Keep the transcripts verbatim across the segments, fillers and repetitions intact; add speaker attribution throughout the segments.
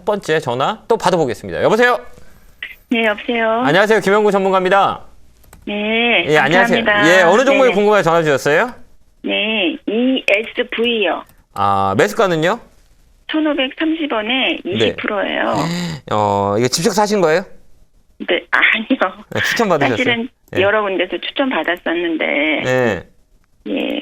Speaker 1: 번째 전화 또 받아보겠습니다. 여보세요?
Speaker 2: 네, 여보세요.
Speaker 1: 안녕하세요. 김영구 전문가입니다.
Speaker 2: 네,
Speaker 1: 예, 안녕하세요.
Speaker 2: 감사합니다.
Speaker 1: 예, 어느 종목이
Speaker 2: 네네.
Speaker 1: 궁금해 전화 주셨어요?
Speaker 2: 네, 이에스브이요.
Speaker 1: 아, 매수가는요?
Speaker 2: 천오백삼십 원에 이십 퍼센트예요.
Speaker 1: 어, 이거 직접 사신 거예요?
Speaker 2: 네, 아니요.
Speaker 1: 네, 추천 받으셨어요?
Speaker 2: 사실은
Speaker 1: 네.
Speaker 2: 여러 군데서 추천 받았었는데,
Speaker 1: 네.
Speaker 2: 예,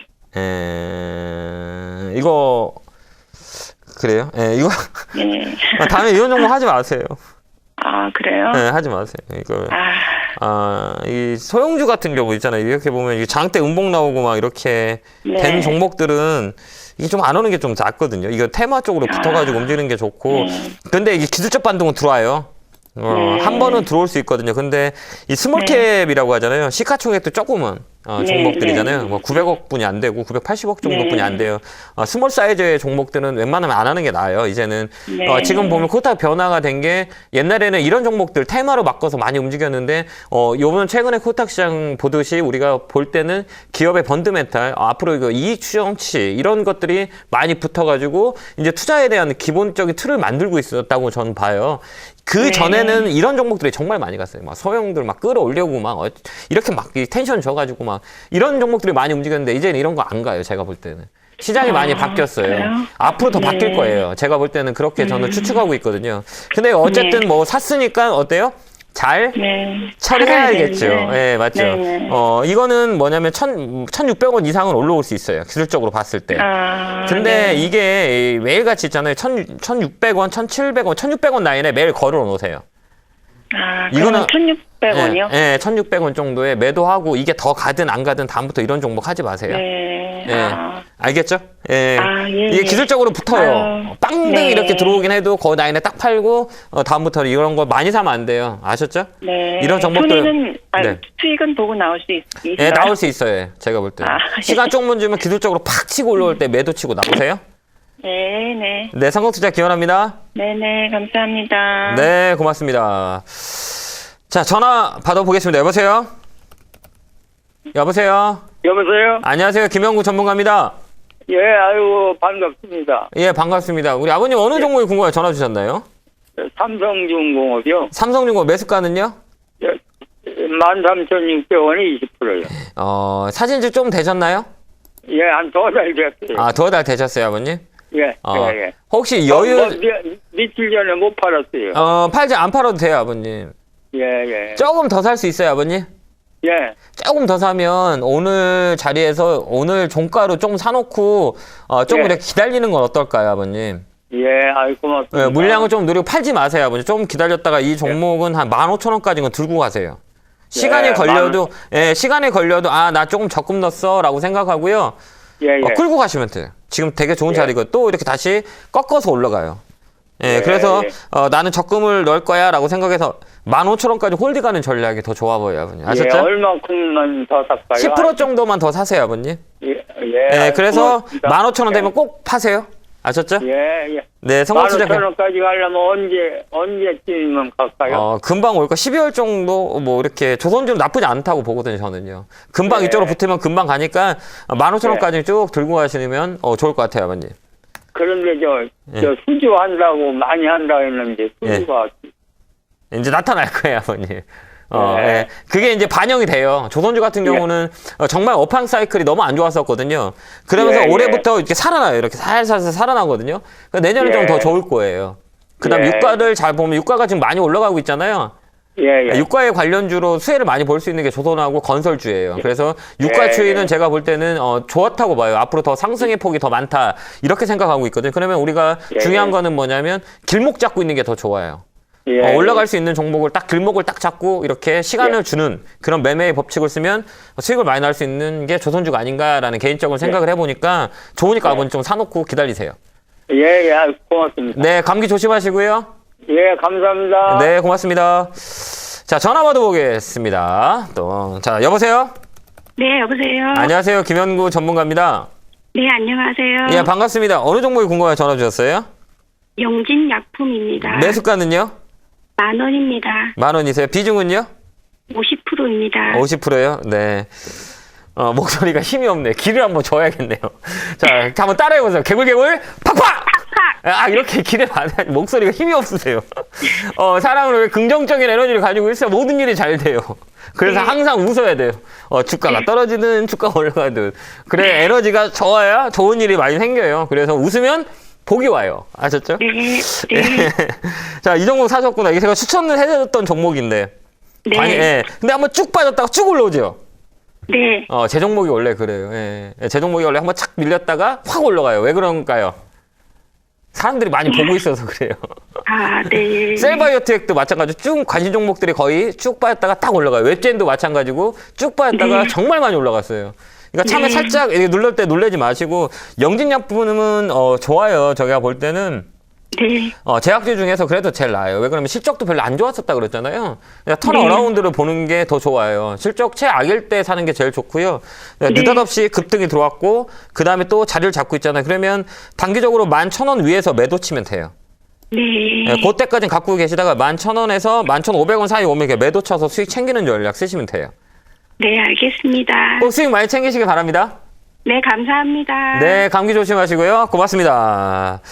Speaker 1: 에... 이거 그래요? 예, 이거
Speaker 2: 네.
Speaker 1: 아, 다음에 이런 종목 하지 마세요.
Speaker 2: 아, 그래요?
Speaker 1: 네, 하지 마세요. 이거
Speaker 2: 아,
Speaker 1: 아, 이 소형주 같은 경우 있잖아요. 이렇게 보면 이게 장대 음봉 나오고 막 이렇게
Speaker 2: 네.
Speaker 1: 된 종목들은 이게 좀 안 오는 게 좀 낫거든요. 이거 테마 쪽으로 붙어가지고
Speaker 2: 아.
Speaker 1: 움직이는 게 좋고.
Speaker 2: 네.
Speaker 1: 근데 이게 기술적 반동은 들어와요. 어,
Speaker 2: 네.
Speaker 1: 한 번은 들어올 수 있거든요. 근데 이 스몰캡이라고 하잖아요. 시가총액도 조금은 어,
Speaker 2: 네,
Speaker 1: 종목들이잖아요.
Speaker 2: 네.
Speaker 1: 뭐 구백억 분이 안 되고 구백팔십억 정도뿐이
Speaker 2: 네.
Speaker 1: 안 돼요. 어, 스몰 사이즈의 종목들은 웬만하면 안 하는 게 나아요. 이제는
Speaker 2: 네.
Speaker 1: 어, 지금 보면 코스닥 변화가 된 게 옛날에는 이런 종목들 테마로 바꿔서 많이 움직였는데 어, 요번 최근에 코스닥 시장 보듯이 우리가 볼 때는 기업의 펀드멘탈 어, 앞으로 이거 이익 추정치 이런 것들이 많이 붙어가지고 이제 투자에 대한 기본적인 틀을 만들고 있었다고 저는 봐요. 그
Speaker 2: 네.
Speaker 1: 전에는 이런 종목들이 정말 많이 갔어요. 막 소형들 막 끌어올려고 막 어, 이렇게 막 이 텐션 줘가지고 막 이런 종목들이 많이 움직였는데 이제는 이런 거 안 가요. 제가 볼 때는. 시장이
Speaker 2: 아,
Speaker 1: 많이 바뀌었어요.
Speaker 2: 그래요?
Speaker 1: 앞으로 더
Speaker 2: 네.
Speaker 1: 바뀔 거예요. 제가 볼 때는 그렇게 저는 추측하고 있거든요. 근데 어쨌든
Speaker 2: 네.
Speaker 1: 뭐 샀으니까 어때요? 잘
Speaker 2: 네.
Speaker 1: 처리해야겠죠.
Speaker 2: 살아야 되는데.
Speaker 1: 예, 맞죠.
Speaker 2: 네.
Speaker 1: 어, 이거는 뭐냐면 천, 천육백 원 이상은 올라올 수 있어요. 기술적으로 봤을 때.
Speaker 2: 아,
Speaker 1: 근데
Speaker 2: 네.
Speaker 1: 이게 매일같이 있잖아요. 천, 천육백 원, 천칠백 원, 천육백 원 라인에 매일 걸어 놓으세요.
Speaker 2: 아,
Speaker 1: 이거는-
Speaker 2: 이거는 천육백 원이요?
Speaker 1: 예, 예, 천육백 원 정도에 매도하고 이게 더 가든 안 가든 다음부터 이런 종목 하지 마세요.
Speaker 2: 네.
Speaker 1: 예.
Speaker 2: 아,
Speaker 1: 알겠죠? 예.
Speaker 2: 아, 예,
Speaker 1: 이게
Speaker 2: 예.
Speaker 1: 기술적으로 붙어요.
Speaker 2: 아유,
Speaker 1: 빵등
Speaker 2: 네.
Speaker 1: 이렇게 들어오긴 해도 그 라인에 딱 팔고 어, 다음부터는 이런 거 많이 사면 안 돼요. 아셨죠?
Speaker 2: 네.
Speaker 1: 이런 종목들-
Speaker 2: 손해는, 아,
Speaker 1: 네.
Speaker 2: 수익은 보고 나올 수 있, 있어요?
Speaker 1: 예, 나올 수 있어요. 제가 볼 때.
Speaker 2: 아,
Speaker 1: 시간 조금 주면 기술적으로 팍 치고 올라올 때 매도 치고 나오세요.
Speaker 2: 네, 네.
Speaker 1: 네, 성공투자 기원합니다.
Speaker 2: 네, 네, 감사합니다.
Speaker 1: 네, 고맙습니다. 자, 전화 받아보겠습니다. 여보세요? 여보세요?
Speaker 3: 여보세요?
Speaker 1: 안녕하세요. 김영구 전문가입니다.
Speaker 3: 예, 아이고, 반갑습니다.
Speaker 1: 예, 반갑습니다. 우리 아버님 어느 종목이 궁금해 전화 주셨나요?
Speaker 3: 삼성중공업이요.
Speaker 1: 삼성중공업 매수가는요?
Speaker 3: 만 삼천육백 원이 이십 퍼센트요.
Speaker 1: 어, 사진집 좀 되셨나요?
Speaker 3: 예, 한 두 달 됐어요.
Speaker 1: 아, 두어 달 되셨어요, 아버님?
Speaker 3: 예,
Speaker 1: 어,
Speaker 3: 예, 예.
Speaker 1: 혹시
Speaker 3: 어, 뭐,
Speaker 1: 여유,
Speaker 3: 미, 며칠 전에 못 팔았어요.
Speaker 1: 어, 팔지 안 팔아도 돼요, 아버님.
Speaker 3: 예, 예.
Speaker 1: 조금 더 살 수 있어요, 아버님?
Speaker 3: 예,
Speaker 1: 조금 더 사면 오늘 자리에서 오늘 종가로 좀 사놓고 어, 좀
Speaker 3: 예.
Speaker 1: 이렇게 기다리는 건 어떨까요, 아버님?
Speaker 3: 예, 아이 고맙습니다.
Speaker 1: 예, 물량을 좀 누리고 팔지 마세요, 아버님. 좀 기다렸다가 이 종목은 한 만 오천 원까지는 들고 가세요. 시간이
Speaker 3: 예,
Speaker 1: 걸려도, 예, 시간이 걸려도, 아, 나 조금 적금 넣었어, 라고 생각하고요.
Speaker 3: 예, 예.
Speaker 1: 어, 끌고 가시면 돼요. 지금 되게 좋은
Speaker 3: 예.
Speaker 1: 자리고 또 이렇게 다시 꺾어서 올라가요. 예,
Speaker 3: 예,
Speaker 1: 그래서
Speaker 3: 예.
Speaker 1: 어, 나는 적금을 넣을 거야 라고 생각해서 만 오천 원까지 홀딩하는 전략이 더 좋아 보여요, 아버님. 아셨죠?
Speaker 3: 예, 얼마큼만 더 살까요?
Speaker 1: 십 퍼센트 정도만 더 사세요, 아버님.
Speaker 3: 예, 예.
Speaker 1: 예,
Speaker 3: 아이,
Speaker 1: 그래서
Speaker 3: 고맙습니다.
Speaker 1: 만 오천 원 되면 꼭 파세요. 아셨죠?
Speaker 3: 예, 예.
Speaker 1: 네,
Speaker 3: 만
Speaker 1: 성공투자.
Speaker 3: 오천 원까지 가려면 언제, 언제쯤이면 갈까요?
Speaker 1: 어, 금방 올 거. 십이월 정도, 뭐, 이렇게, 조선주는 나쁘지 않다고 보거든요, 저는요. 금방
Speaker 3: 네.
Speaker 1: 이쪽으로 붙으면 금방 가니까, 만 오천 원까지
Speaker 3: 네.
Speaker 1: 쭉 들고 가시면, 어, 좋을 것 같아요, 아버님.
Speaker 3: 그런데 저,
Speaker 1: 예.
Speaker 3: 저 수주 한다고 많이 한다 했는데 수주가
Speaker 1: 이제 나타날 거예요, 아버님. 어,
Speaker 3: 네.
Speaker 1: 예. 그게 이제 반영이 돼요. 조선주 같은
Speaker 3: 예.
Speaker 1: 경우는 어, 정말 업황 사이클이 너무 안 좋았었거든요. 그러면서
Speaker 3: 예, 예.
Speaker 1: 올해부터 이렇게 살아나요. 이렇게 살살살 살아나거든요. 그러니까 내년에
Speaker 3: 예.
Speaker 1: 좀 더 좋을 거예요. 그 다음
Speaker 3: 예.
Speaker 1: 유가를 잘 보면 유가가 지금 많이 올라가고 있잖아요.
Speaker 3: 예, 예.
Speaker 1: 유가에 관련주로 수혜를 많이 볼 수 있는 게 조선하고 건설주예요. 그래서 유가
Speaker 3: 예,
Speaker 1: 추이는
Speaker 3: 예.
Speaker 1: 제가 볼 때는 어, 좋았다고 봐요. 앞으로 더 상승의 폭이 더 많다. 이렇게 생각하고 있거든요. 그러면 우리가
Speaker 3: 예,
Speaker 1: 중요한
Speaker 3: 예.
Speaker 1: 거는 뭐냐면 길목 잡고 있는 게 더 좋아요.
Speaker 3: 예,
Speaker 1: 어, 올라갈 수 있는 종목을 딱 길목을 딱 잡고 이렇게 시간을
Speaker 3: 예.
Speaker 1: 주는 그런 매매의 법칙을 쓰면 수익을 많이 날 수 있는 게 조선주가 아닌가라는 개인적으로 생각을 해보니까 좋으니까
Speaker 3: 예.
Speaker 1: 아버님 좀 사놓고 기다리세요.
Speaker 3: 예, 예, 아이, 고맙습니다.
Speaker 1: 네, 감기 조심하시고요.
Speaker 3: 예, 감사합니다.
Speaker 1: 네, 고맙습니다. 자, 전화 받아보겠습니다. 또, 자, 여보세요?
Speaker 2: 네, 여보세요?
Speaker 1: 안녕하세요. 김현구 전문가입니다.
Speaker 2: 네, 안녕하세요.
Speaker 1: 예, 반갑습니다. 어느 종목이 궁금해 전화 주셨어요?
Speaker 2: 영진약품입니다.
Speaker 1: 매수가는요?
Speaker 2: 만 원입니다.
Speaker 1: 만 원이세요? 비중은요?
Speaker 2: 오십 퍼센트입니다.
Speaker 1: 오십 퍼센트요? 네. 어, 목소리가 힘이 없네. 기를 한번 줘야겠네요. 자, 한번 따라해보세요. 개굴개굴, 팍팍!
Speaker 2: 팍팍!
Speaker 1: 아, 이렇게 기대 많이 하니 목소리가 힘이 없으세요. 어, 사람은 왜 긍정적인 에너지를 가지고 있어야 모든 일이 잘 돼요. 그래서
Speaker 2: 네.
Speaker 1: 항상 웃어야 돼요. 어, 주가가 떨어지든 주가가 올라가든. 그래, 에너지가 좋아야 좋은 일이 많이 생겨요. 그래서 웃으면 복이 와요. 아셨죠?
Speaker 2: 네. 네.
Speaker 1: 자, 이 종목 사셨구나. 이게 제가 추천을 해드렸던 종목인데.
Speaker 2: 네.
Speaker 1: 아니, 예. 근데 한번 쭉 빠졌다가 쭉 올라오죠?
Speaker 2: 네.
Speaker 1: 어, 제 종목이 원래 그래요. 예. 예, 제 종목이 원래 한번 착 밀렸다가 확 올라가요. 왜 그런가요? 사람들이 많이 보고 있어서 그래요.
Speaker 2: 아, 네.
Speaker 1: 셀바이오텍도 마찬가지로 쭉 관심 종목들이 거의 쭉 빠졌다가 딱 올라가요. 웹젠도 마찬가지고 쭉 빠졌다가
Speaker 2: 네.
Speaker 1: 정말 많이 올라갔어요. 그러니까 처음에
Speaker 2: 네.
Speaker 1: 살짝 이렇게 눌릴 때 놀라지 마시고 영진약품은 어, 좋아요. 저희가 볼 때는
Speaker 2: 네.
Speaker 1: 어, 제약주 중에서 그래도 제일 나아요. 왜 그러면 실적도 별로 안 좋았었다 그랬잖아요. 그러니까 턴
Speaker 2: 네.
Speaker 1: 어라운드를 보는 게 더 좋아요. 실적 최악일 때 사는 게 제일 좋고요. 그러니까
Speaker 2: 네.
Speaker 1: 느닷없이 급등이 들어왔고 그 다음에 또 자리를 잡고 있잖아요. 그러면 단기적으로 만 천 원 위에서 매도 치면 돼요.
Speaker 2: 네.
Speaker 1: 네, 그때까지는 갖고 계시다가 만 천 원에서 만 천 오백 원 사이 오면 이렇게 매도 쳐서 수익 챙기는 전략 쓰시면 돼요.
Speaker 2: 네, 알겠습니다.
Speaker 1: 꼭 수익 많이 챙기시길 바랍니다.
Speaker 2: 네, 감사합니다.
Speaker 1: 네, 감기 조심하시고요. 고맙습니다.